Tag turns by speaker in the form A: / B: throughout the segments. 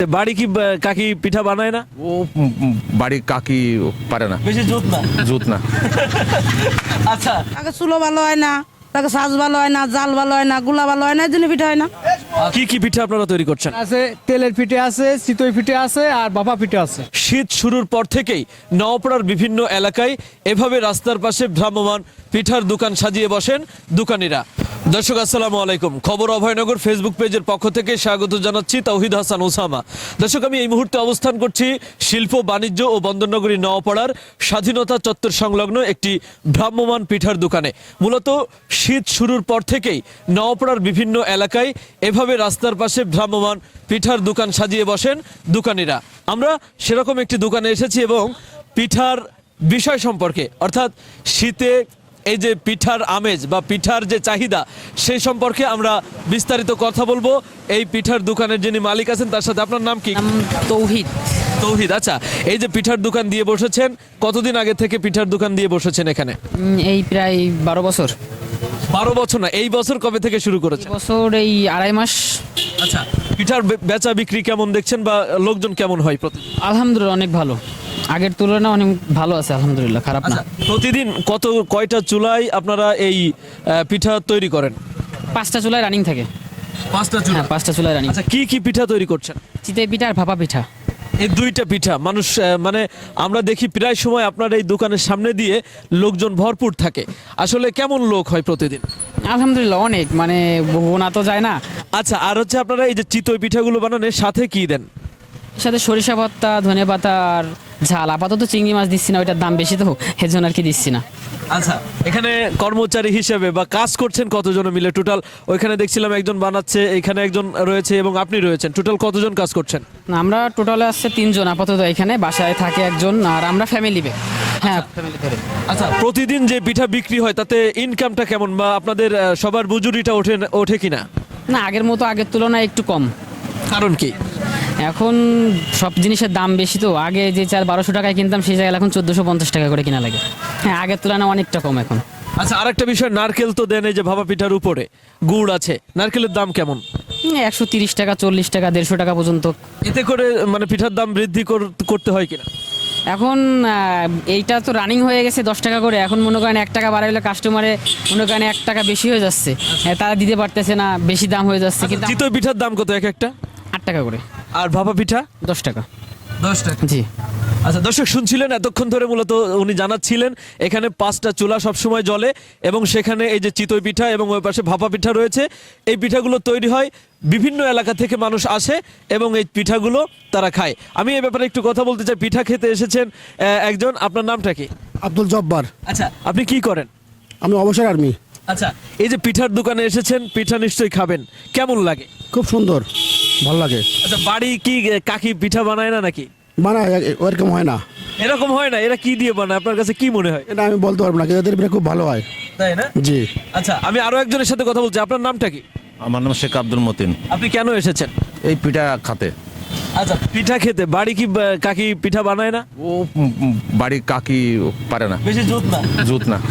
A: বাড়ি কি কাকি পিঠা বানায় না?
B: ও বাড়ির কাকি পারে না,
A: বেশি জুত না।
B: জুত না।
A: আচ্ছা,
C: তাকে চুলো ভালো হয় না, তাকে সাজ ভালো হয় না, জাল ভালো হয় না, গুলা ভালো হয় না, এই জন্য পিঠা হয় না।
A: কি কি পিঠা আপনারা তৈরি করছেন?
D: আছে তেলের পিঠে আছে, চিতই পিঠে আছে আর বাবা পিঠে আছে।
A: শীত শুরুর পর থেকেই নওপাড়ার বিভিন্ন এলাকায় এভাবে রাস্তার পাশে ভ্রাম্যমান পিঠার দোকান সাজিয়ে বসেন দোকানিরা। দর্শক আসসালামু আলাইকুম, খবর অভয়নগর ফেসবুক পেজের পক্ষ থেকে স্বাগত জানাচ্ছি তৌহিদ হাসান ওসামা। দর্শক, আমি এই মুহূর্তে অবস্থান করছি শিল্প বাণিজ্য ও বন্দরনগরী নওপাড়ার স্বাধীনতা চত্বর সংলগ্ন একটি ভ্রাম্যমান পিঠার দোকানে। মূলত শীত শুরুর পর থেকেই নওপাড়ার বিভিন্ন এলাকায় এভাবে রাস্তার পাশে ভ্রাম্যমান পিঠার দোকান সাজিয়ে বসেন দোকানিরা। আমরা সেরকম একটি দোকানে এসেছি এবং পিঠার বিষয় সম্পর্কে, অর্থাৎ শীতে এই যে পিঠার আমেজ বা পিঠার যে চাহিদা সেই সম্পর্কে আমরা বিস্তারিত কথা বলবো এই পিঠার দোকানের যিনি মালিক আছেন তার সাথে। আপনার নাম কি?
E: তৌহিদ।
A: তৌহিদ। আচ্ছা, এই যে পিঠার দোকান দিয়ে বসেছেন, কতদিন আগে থেকে পিঠার দোকান দিয়ে বসেছেন এখানে?
E: এই প্রায় 12 বছর।
A: 12 বছর না, এই বছর কবে থেকে শুরু করেছেন?
E: বছর এই 2.5 মাস।
A: আচ্ছা, পিঠার বেচা বিক্রি কেমন দেখছেন বা লোকজন কেমন হয় প্রতিদিন?
E: আলহামদুলিল্লাহ অনেক ভালো, আগের তুলনায় অনেক ভালো আছে আলহামদুলিল্লাহ, খারাপ না।
A: আচ্ছা, প্রতিদিন কয়টা চুলায় আপনারা এই পিঠা তৈরি করেন?
E: 5টা চুলায় রানিং থাকে।
A: 5টা
E: হ্যাঁ, 5টা চুলায় রানিং।
A: আচ্ছা, কি পিঠা তৈরি করছেন?
E: চিতই পিঠা আর ভাপা পিঠা।
A: এই দুইটা পিঠা মানুষ মানে আমরা দেখি প্রায় সময় আপনার এই দোকানের সামনে দিয়ে লোকজন ভরপুর থাকে। আসলে কেমন লোক হয় প্রতিদিন?
E: আলহামদুলিল্লাহ অনেক, মানে গোনা তো যায় না।
A: আচ্ছা, আর হচ্ছে আপনারা এই যে চিতই পিঠাগুলো বানানোর সাথে কি দেন?
E: সাথে সরিষা ভর্তা, ধনে পাতা আর ঝাল। আপাতত চিংড়ি মাছ দিচ্ছি না, ওইটার দাম বেশি তো, এর জন্য আর কি দিচ্ছি না।
A: আচ্ছা, এখানে কর্মচারী হিসেবে বা কাজ করছেন কতজন মিলে টোটাল? ওইখানে দেখছিলাম একজন বানাচ্ছে, এখানে একজন রয়েছে এবং আপনি রয়েছেন, টোটাল কতজন কাজ করছেন?
E: না, আমরা টোটালে আসছে 3 জন আপাতত, এখানে বাসায় থাকে একজন, আর আমরা ফ্যামিলি বে। হ্যাঁ, ফ্যামিলি ধরে।
A: আচ্ছা, প্রতিদিন যে পিঠা বিক্রি হয় তাতে ইনকামটা কেমন বা আপনাদের সবার মজুরিটা ওঠে কিনা?
E: না, আগের মতো, আগের তুলনায় একটু কম।
A: কারণ কি?
E: এখন সব জিনিসের দাম বেশি তো, আগে যে চাল 1200 টাকায় কিনতাম সেই জায়গায় এখন 1450 টাকা করে কিনা লাগে। হ্যাঁ, আগের তুলনায় অনেকটা কম এখন।
A: আচ্ছা, আরেকটা বিষয়, নারকেল তো দেন এই যে ভাপা পিঠার উপরে, গুড় আছে, নারকেলের দাম কেমন?
E: 130 টাকা, 40 টাকা, 150 টাকা পর্যন্ত।
A: এতে করে মানে পিঠার দাম বৃদ্ধি করতে হয় কিনা?
E: এখন এইটা তো রানিং হয়ে গেছে 10 টাকা করে, এখন মনে করেন 1 টাকা বাড়াইলে কাস্টমারে মনে করেন 1 টাকা বেশি হয়ে যাচ্ছে। তারা দিতে পারতেছে না, বেশি দাম হয়ে যাচ্ছে। কিন্তু
A: চিতই পিঠার দাম কত এক একটা?
E: 8 টাকা করে।
A: আর ভাপা পিঠা?
E: 10 টাকা।
A: 10 টাকা।
E: জি।
A: আচ্ছা, দর্শক শুনছিলেন এতক্ষণ ধরে মূলত উনি জানাচ্ছিলেন এখানে 5টা চুলা সবসময় জ্বলে এবং সেখানে এই যে চিতই পিঠা এবং ওই পাশে ভাপা পিঠা রয়েছে। এই পিঠাগুলো তৈরি হয়, বিভিন্ন এলাকা থেকে মানুষ আসে এবং এই পিঠাগুলো তারা খায়। আমি এই ব্যাপারে একটু কথা বলতে চাই। পিঠা খেতে এসেছেন একজন, আপনার নামটা কি?
D: আব্দুল জব্বার।
A: আচ্ছা, আপনি কি করেন?
D: আমি অবসর আর্মি।
A: আচ্ছা, এই যে পিঠার দোকানে এসেছেন, পিঠা নিশ্চয়ই খাবেন, কেমন লাগে?
D: খুব সুন্দর, ভালো লাগে।
A: আচ্ছা, বাড়ি কি কাকি পিঠা বানায় না নাকি?
D: বানায় ওরকম হয় না,
A: এরকম হয় না? এরা কি দিয়ে বানায় আপনার কাছে কি মনে হয়?
D: এটা আমি বলতে পারবো না, কিন্তু এদের পিঠা খুব ভালো হয়।
A: তাই না?
D: জি।
A: আচ্ছা, আমি আরো একজনের সাথে কথা বলছি। আপনার নামটা কি?
B: আমার নাম শেখ আব্দুল মতিন।
A: আপনি কেন এসেছেন?
B: এই পিঠা খাতে।
A: আচ্ছা, পিঠা খেতে। বাড়ি কি কাকি পিঠা বানায় না?
B: ও বাড়ির কাকি পারে না,
A: বেশি জুত না।
B: জুত না।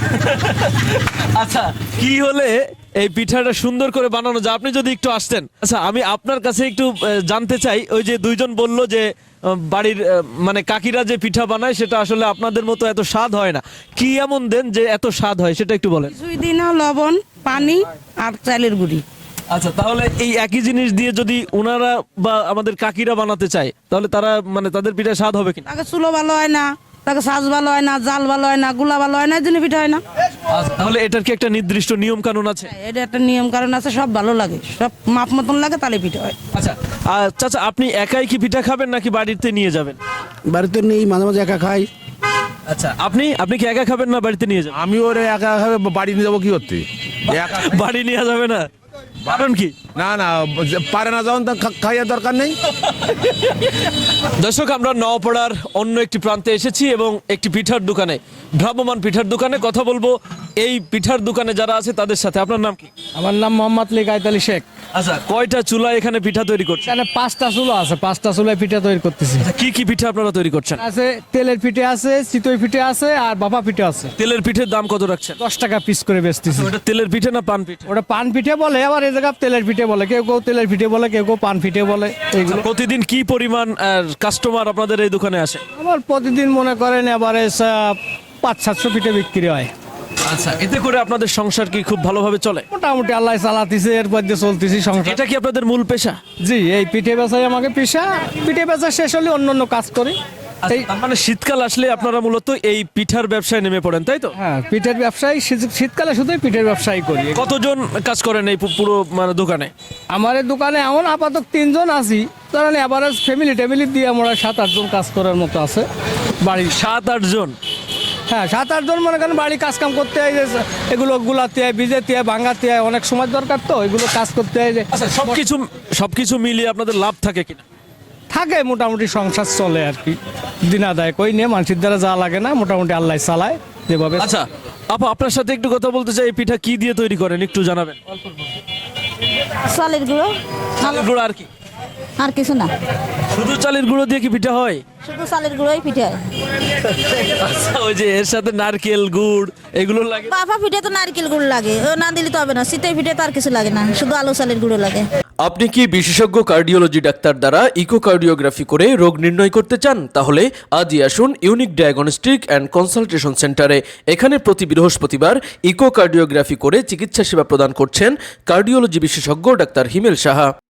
A: আচ্ছা, কি হলে এই পিঠাটা সুন্দর করে বানানো যায়? আপনি যদি একটু আসতেন। আচ্ছা, আমি আপনার কাছে একটু জানতে চাই, ওই যে দুইজন বললো যে বাড়ির মানে কাকিরা যে পিঠা বানায় সেটা আসলে আপনাদের মতো এত স্বাদ হয় না। কি এমন দেন যে এত স্বাদ হয় সেটা একটু বলেন।
C: কিছুই দিই না, লবণ, পানি আর চালের গুঁড়ি।
A: আচ্ছা, তাহলে এই একই জিনিস দিয়ে যদি ওনারা বা আমাদের কাকিরা বানাতে চায় তাহলে তারা মানে তাদের পিঠা স্বাদ হবে কিনা?
C: তাকে চুলো ভালো হয় না, তাকে সাজ ভালো হয় না, জাল ভালো হয় না, গুলা ভালো হয় না, এই জন্য পিঠা হয় না।
A: আচ্ছা, তাহলে এটার কি একটা নির্দিষ্ট নিয়ম কানুন আছে?
C: এটা একটা নিয়ম কারণ আছে, সব ভালো লাগে, সব মাপ মতন লাগে, তাহলে পিঠা হয়।
A: আচ্ছা, চাচা, আপনি একাই কি পিঠা খাবেন নাকি বাড়িতে নিয়ে যাবেন?
D: বাড়িতে নেই, মাঝে মাঝে একা খাই।
A: আচ্ছা, আপনি কি একা খাবেন না বাড়িতে নিয়ে যাবেন?
B: আমি ওরে একা একা বাড়ি নিয়ে যাবো কি করতে? একা-
A: বাড়ি নিয়ে যাবে না, কারণ কি?
B: না না, পারে না যখন খাইয়ার দরকার নেই।
A: দর্শক, আমরা নওপাড়ার অন্য একটি প্রান্তে এসেছি এবং একটি পিঠার দোকানে, ভ্রাম্যমান পিঠার দোকানে কথা বলবো এই পিঠার দোকানে যারা আছে তাদের সাথে, আপনার নাম কি?
D: আমার নাম মোহাম্মদ লী কায়তালি শেখ।
A: আচ্ছা, কয়টা চুলা এখানে পিঠা তৈরি করছেন?
D: এখানে 5টা চুলা আছে, 5টা চুলায় পিঠা তৈরি করতেছি।
A: কি কি পিঠা আপনারা তৈরি করছেন?
D: আছে তেলের পিঠে আছে, চিতই পিঠে আছে আর বাপা পিঠে আছে।
A: তেলের পিঠের দাম কত রাখছেন?
D: 10 টাকা পিস করে বেচতেছি।
A: ওটা তেলের পিঠে না পান পিঠে?
D: ওটা পান পিঠে বলে, আবার এই জায়গা তেলের পিঠে বলে, কেউ কেউ তেলের পিঠে বলে, কেউ কেউ পান পিঠে বলে। এইগুলো
A: প্রতিদিন কি পরিমাণ কাস্টমার আপনাদের এই দোকানে আসে?
D: আমার প্রতিদিন মনে করেন এবারে 500-700 পিঠে বিক্রি হয়।
A: আচ্ছা, এতে করে আপনাদের সংসার কি খুব ভালোভাবে চলে?
D: মোটামুটি আল্লাহ চালাতেছে, এরপর দিয়ে চলতেছি সংসার।
A: এটা কি আপনাদের মূল পেশা?
D: জি, এই পিঠে বেচাই আমাকে পেশা। পিঠে বেচা শেষ হলে অন্য অন্য কাজ করি। এই
A: তার মানে শীতকাল আসলে আপনারা মূলত এই পিঠার ব্যবসায় নেমে পড়েন, তাই তো?
D: হ্যাঁ, পিঠের ব্যবসায়ী, শীতকালে শুধুই পিঠের ব্যবসায়ী করি।
A: কতজন কাজ করেন এই পুরো মানে দোকানে?
D: আমার এই দোকানে এমন আপাতত 3 জন আছি, ধরেন এভারেজ ফ্যামিলি টেমিলি দিয়ে আমরা 7-8 জন কাজ করার মতো আছে বাড়ি।
A: 7-8 জন?
D: হ্যাঁ, 7-8 জন মনে করেন বাড়ি কাজ কাম করতে হয়, যে এগুলো গুলাতে হয়, ভিজাতে হয়, ভাঙাতে হয়, অনেক সময় দরকার, তো এগুলো কাজ করতে হয়। যে
A: আচ্ছা, সবকিছু মিলিয়ে আপনাদের লাভ থাকে কিনা?
D: থাকে, মোটামুটি সংসার চলে আর কি, দিন আদায় কই নিয়ে মানুষের দ্বারা যা লাগে না, মোটামুটি আল্লাহ চালায় যেভাবে।
A: আচ্ছা আপা, আপনার সাথে একটু কথা বলতে চাই। এই পিঠা কি দিয়ে তৈরি করেন একটু জানাবেন?
F: চালের গুঁড়ো,
A: চালের গুঁড়ো আর কি?
F: আর কিছু না,
A: শুধু চালের গুঁড়ো দিয়ে কি পিঠা হয়?
F: শুধু চালের গুঁড়োই পিঠে হয়।
A: আচ্ছা, ওই যে এর সাথে নারকেল গুড় এগুলো লাগে?
F: বাফা পিঠে তো নারকেল গুঁড়ো লাগে, ও না দিলে তো হবে না। শীতের পিঠে তো আর কিছু লাগে না, শুধু আলু চালের গুঁড়ো লাগে।
A: আপনি কি বিশেষজ্ঞ কার্ডিওলজি ডাক্তার দ্বারা ইকোকার্ডিওগ্রাফি করে রোগ নির্ণয় করতে চান? তাহলে আজই আসুন ইউনিক ডায়াগনস্টিক অ্যান্ড কনসালটেশন সেন্টারে। এখানে প্রতি বৃহস্পতিবার ইকোকার্ডিওগ্রাফি করে চিকিৎসা সেবা প্রদান করছেন কার্ডিওলজি বিশেষজ্ঞ ডাক্তার হিমেল সাহা।